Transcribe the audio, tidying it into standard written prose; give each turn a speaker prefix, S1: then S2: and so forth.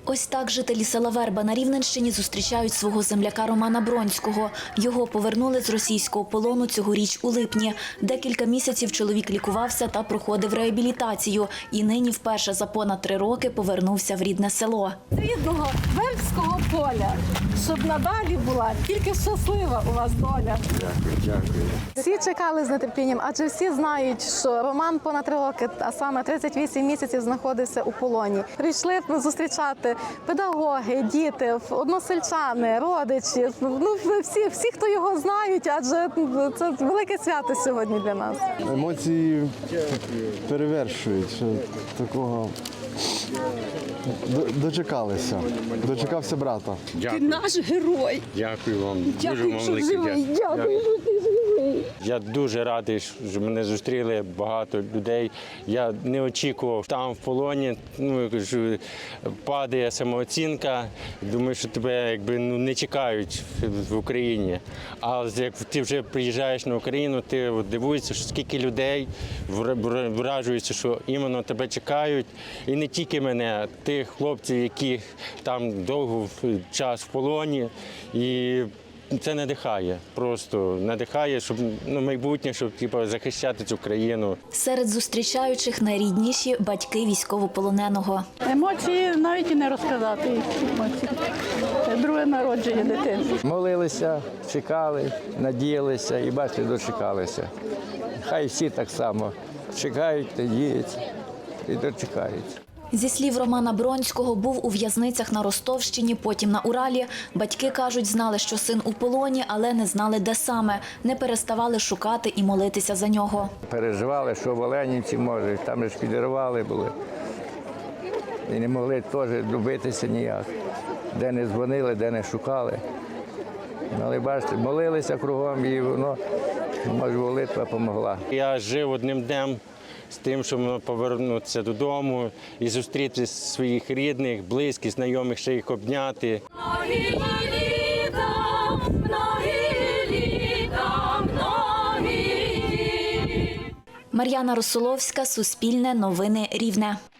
S1: Ось так жителі села Верба на Рівненщині зустрічають свого земляка Романа Бронського. Його повернули з російського полону цьогоріч у липні. Декілька місяців чоловік лікувався та проходив реабілітацію. І нині вперше за понад 3 роки повернувся в рідне село.
S2: Рідного вербського поля, щоб надалі була тільки щаслива у вас доля.
S3: Дякую.
S2: Всі чекали з нетерпінням, адже всі знають, що Роман понад 3 роки, а саме 38 місяців знаходився у полоні. Прийшли зустрічати педагоги, діти, односельчани, родичі, всі, хто його знають, адже це велике свято сьогодні для нас.
S3: Емоції перевершують, що такого дочекалися. Дочекався брата.
S4: Дякую.
S2: Ти наш герой.
S4: Дякую вам.
S2: Дякую, що живий. Дякую, що ти живий.
S4: Я дуже радий, що мене зустріли багато людей. Я не очікував там в полоні. Падає самооцінка. Думаю, що тебе не чекають в Україні. А як ти вже приїжджаєш на Україну, ти дивуєшся, що скільки людей вражуються, що іменно тебе чекають. І не тільки мене, тих хлопців, які там довго час в полоні. І це надихає, просто надихає, щоб майбутнє, щоб захищати цю країну.
S1: Серед зустрічаючих найрідніші – батьки військовополоненого.
S2: Емоції навіть і не розказати. Друге народження дитини.
S5: Молилися, чекали, надіялися і, бачите, дочекалися. Хай всі так само чекають, надіються і дочекаються.
S1: Зі слів Романа Бронського, був у в'язницях на Ростовщині, потім на Уралі. Батьки, кажуть, знали, що син у полоні, але не знали, де саме. Не переставали шукати і молитися за нього.
S5: Переживали, що в Оленівці, може, там ж підірвали були. І не могли теж добитися ніяк. Де не дзвонили, де не шукали. Але, бачите, молилися кругом і воно, може, молитва допомогла.
S4: Я жив одним днем з тим, щоб повернутися додому і зустріти своїх рідних, близьких, знайомих, ще їх обняти.
S1: Мар'яна Русоловська, Суспільне новини Рівне.